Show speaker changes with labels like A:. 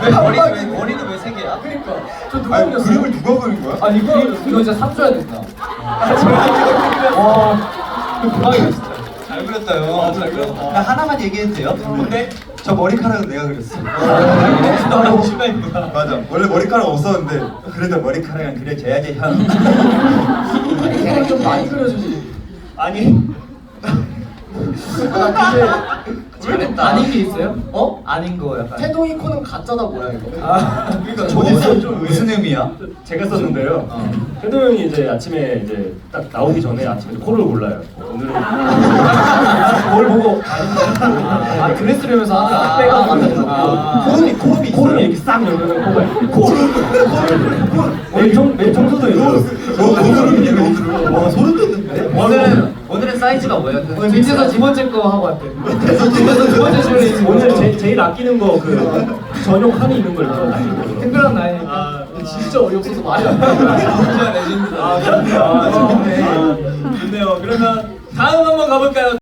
A: 머리는 왜 세 개야?
B: 그러니까 저 누가
C: 아니
B: 그렸어요?
C: 그림을 누가 그린 거야?
B: 아니 이거 진짜 삽줘야 된다. 와그 대박이다 진짜.
A: 잘 그렸다요.
B: 잘 그렸다.
A: 나 하나만 얘기해도 돼요? 뭔데? 저 머리카락은 내가 그렸어.
B: 너무 심했구나.
C: 맞아. 원래 머리카락 없었는데 그래도 머리카락은 그려줘야지 형.
B: 머리카락 좀 많이 그려주지.
A: 아니.
B: 잘했다. 아닌 게 있어요? 어?
A: 아닌 거 약간.
B: 태동이 코는 가짜다 뭐야 이거?
A: 그러니까
C: 좀 무슨 의미야?
D: 제가 썼는데요. 태도 형이 이제 아침에 이제 딱 나오기 전에 아침에 코를 골라요. 오늘은 뭘 보고
B: 아 그랬으려면서 하나 빼가.
D: 코를 이렇게 싹 열면 코가 맨 청소도 있어요.
C: 와 소름 돋는데?
A: 오늘은 사이즈가 뭐야?
B: 밑에서 두 번째 거 하고 할게. 밑에서 두 번째 줄에
D: 오늘 제일 아끼는 거 그 전용 칸이 있는 걸 아끼고.
B: 특별한 날이니까. 진짜 어이없어서 말이 안 나.
A: 진짜 레전드다.
D: 좋네요. 그러면 다음 한번 가볼까요?